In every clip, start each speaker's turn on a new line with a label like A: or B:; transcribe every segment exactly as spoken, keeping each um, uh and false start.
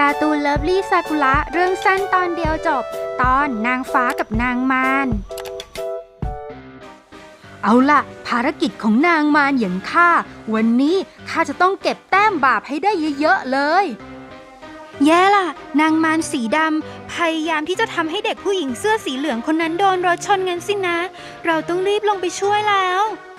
A: การ์ตูนเลิฟลี่ซากุระเรื่องสั้นตอนเดียวจบตอนนางฟ้ากับนางมารเอาล่ะภารกิจของนางมารอย่างข้าวันนี้ข้าจะต้องเก็บแต้มบาปให้ได้เยอะๆเลยแย่ล่ะนางมารสีดำพยายามที่จะทำให้เด็กผู้หญิงเสื้อสีเหลืองคนนั้นโดนรถชนงั้นสินะเราต้องรีบลงไปช่วยแล้ว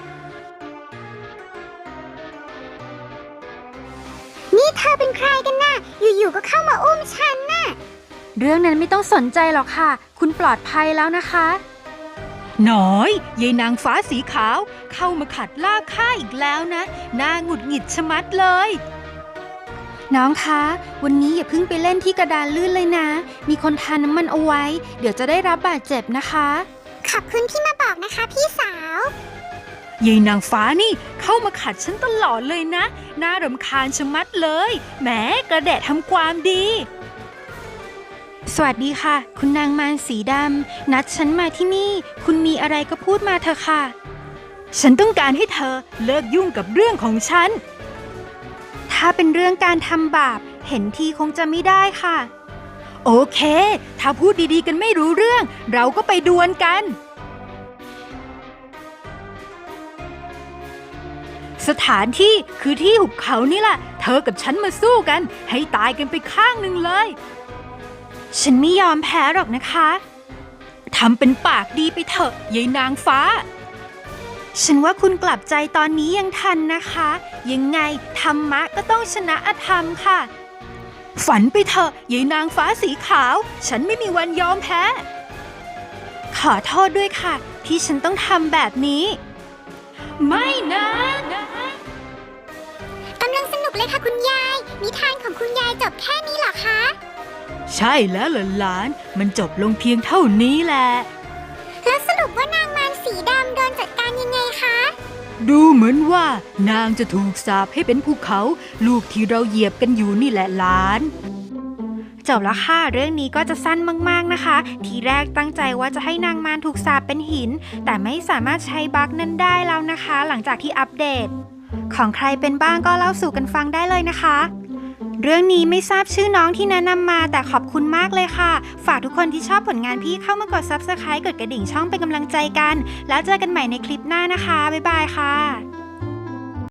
B: นี่เธอเป็นใครกันน่ะอยู่ๆก็เข้ามาอุ้มฉันน่ะ
A: เรื่องนั้นไม่ต้องสนใจหรอกค่ะคุณปลอดภัยแล้วนะคะหน้อยยายนางฟ้าสีขาวเข้ามาขัดลากข้าอีกแล้วนะน่าหงุดหงิดชะมัดเลยน้องคะวันนี้อย่าเพิ่งไปเล่นที่กระดานลื่นเลยนะมีคนทาน้ำมันเอาไว้เดี๋ยวจะได้รับบาดเจ็บนะคะ
B: ขอบคุณที่มาบอกนะคะพี่สาวย
A: ายนางฟ้านี่เข้ามาขัดฉันตลอดเลยนะน่ารำคาญชะมัดเลยแหมกระแดะทำความดีสวัสดีค่ะคุณนางมารสีดำนัดฉันมาที่นี่คุณมีอะไรก็พูดมาเถอะค่ะฉันต้องการให้เธอเลิกยุ่งกับเรื่องของฉันถ้าเป็นเรื่องการทำบาปเห็นทีคงจะไม่ได้ค่ะโอเคถ้าพูดดีๆกันไม่รู้เรื่องเราก็ไปดวลกันสถานที่คือที่หุบเขานี่แหละเธอกับฉันมาสู้กันให้ตายกันไปข้างหนึ่งเลยฉันไม่ยอมแพ้หรอกนะคะทำเป็นปากดีไปเถอะยายนางฟ้าฉันว่าคุณกลับใจตอนนี้ยังทันนะคะยังไงธรรมะก็ต้องชนะอธรรมค่ะฝันไปเถอะยายนางฟ้าสีขาวฉันไม่มีวันยอมแพ้ขอโทษด้วยค่ะที่ฉันต้องทำแบบนี้ไม่นะ
B: กำลังสนุกเลยค่ะคุณยายนิทานของคุณยายจบแค่นี้เหรอคะ
A: ใช่แล้วหลานมันจบลงเพียงเท่านี้แหละ
B: แล้วสรุปว่านางมารสีดำโดนจัดการยังไงคะ
A: ดูเหมือนว่านางจะถูกสาปให้เป็นภูเขาลูกที่เราเหยียบกันอยู่นี่แหละหลานจบแล้วค่ะเรื่องนี้ก็จะสั้นมากๆนะคะทีแรกตั้งใจว่าจะให้นางมารถูกสาปเป็นหินแต่ไม่สามารถใช้บั๊กนั้นได้แล้วนะคะหลังจากที่อัปเดตของใครเป็นบ้างก็เล่าสู่กันฟังได้เลยนะคะเรื่องนี้ไม่ทราบชื่อน้องที่แนะนำมาแต่ขอบคุณมากเลยค่ะฝากทุกคนที่ชอบผลงานพี่เข้ามากด ซับสไครบ์ กดกระดิ่งช่องเป็นกำลังใจกันแล้วเจอกันใหม่ในคลิปหน้านะคะบ๊ายบายค่ะ